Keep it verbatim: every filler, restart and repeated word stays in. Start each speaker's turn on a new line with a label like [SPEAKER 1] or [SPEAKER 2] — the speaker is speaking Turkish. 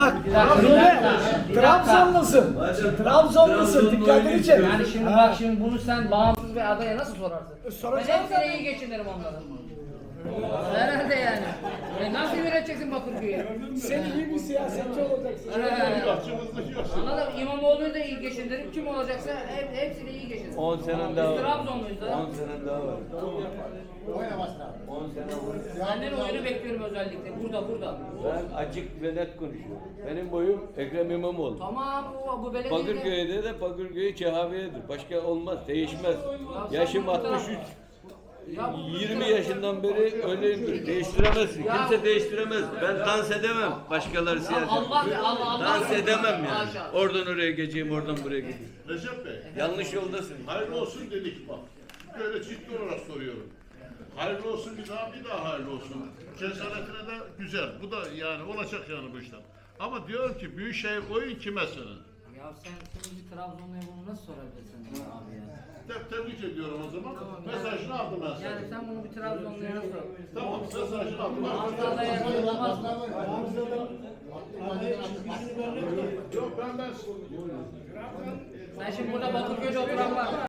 [SPEAKER 1] Trabzonlusun. Trabzonlusun. Dikkatini çek.
[SPEAKER 2] Yani şimdi bak şimdi bunu sen bağımsız bir adaya nasıl sorarsın?
[SPEAKER 1] Soracağım
[SPEAKER 2] Ben hepsine iyi geçinirim onların. Herhalde yani. E nasıl yöneteceksin Bakırköy'ü?
[SPEAKER 1] Sen iyi bir siyasetçi olacaksın.
[SPEAKER 2] Anladın mı? İmamoğlu'yu da iyi geçindiririm. Kim olacaksa hep, hepsini iyi geçindiririm.
[SPEAKER 3] on senen daha
[SPEAKER 2] Biz
[SPEAKER 3] var.
[SPEAKER 2] Trabzonluyuz da.
[SPEAKER 3] on senen daha var. on sene var.
[SPEAKER 2] Senden oyunu bekliyorum özellikle. Burada burada.
[SPEAKER 3] Ben açık ve net konuşuyorum. Benim boyum Ekrem İmamoğlu.
[SPEAKER 2] Tamam bu, bu belediye...
[SPEAKER 3] Bakırköy'de de Bakırköy Çehaviye'dir. Başka olmaz, değişmez. Yaşım altmış üç.
[SPEAKER 2] Ya bu-
[SPEAKER 3] yirmi yaşından beri öyleyimdir. Değiştiremezsin. Kimse değiştiremez. Ben dans edemem başkaları siyaset.
[SPEAKER 2] Allah be Allah Allah.
[SPEAKER 3] Dans edemem yani.
[SPEAKER 2] Maşallah.
[SPEAKER 3] Oradan oraya geçeyim, oradan buraya geçeyim.
[SPEAKER 4] Recep Bey,
[SPEAKER 3] Yanlış yoldasın.
[SPEAKER 4] hayırlı olsun dedik bak. Böyle ciddi olarak soruyorum. Hayırlı olsun bir daha, bir daha hayırlı olsun. Cesaretine de güzel. Bu da yani olacak yani bu işler. Ama diyorum ki Büyükşehir oyun kime senin?
[SPEAKER 2] Ya sen şimdi bir Trabzonlu'ya bunu nasıl sorabilirsin abi ya?
[SPEAKER 4] Te- tebrik ediyorum o zaman. Mesajını aldım ben sana.
[SPEAKER 2] Yani sen bunu bir Trabzonlu'ya nasıl sorabilirsin?
[SPEAKER 4] Tamam, mesajını aldım.
[SPEAKER 2] Ankara'da yapılamaz mı?
[SPEAKER 4] Yok ben ben
[SPEAKER 2] Sen şimdi burada Bakırköy'de oturan var.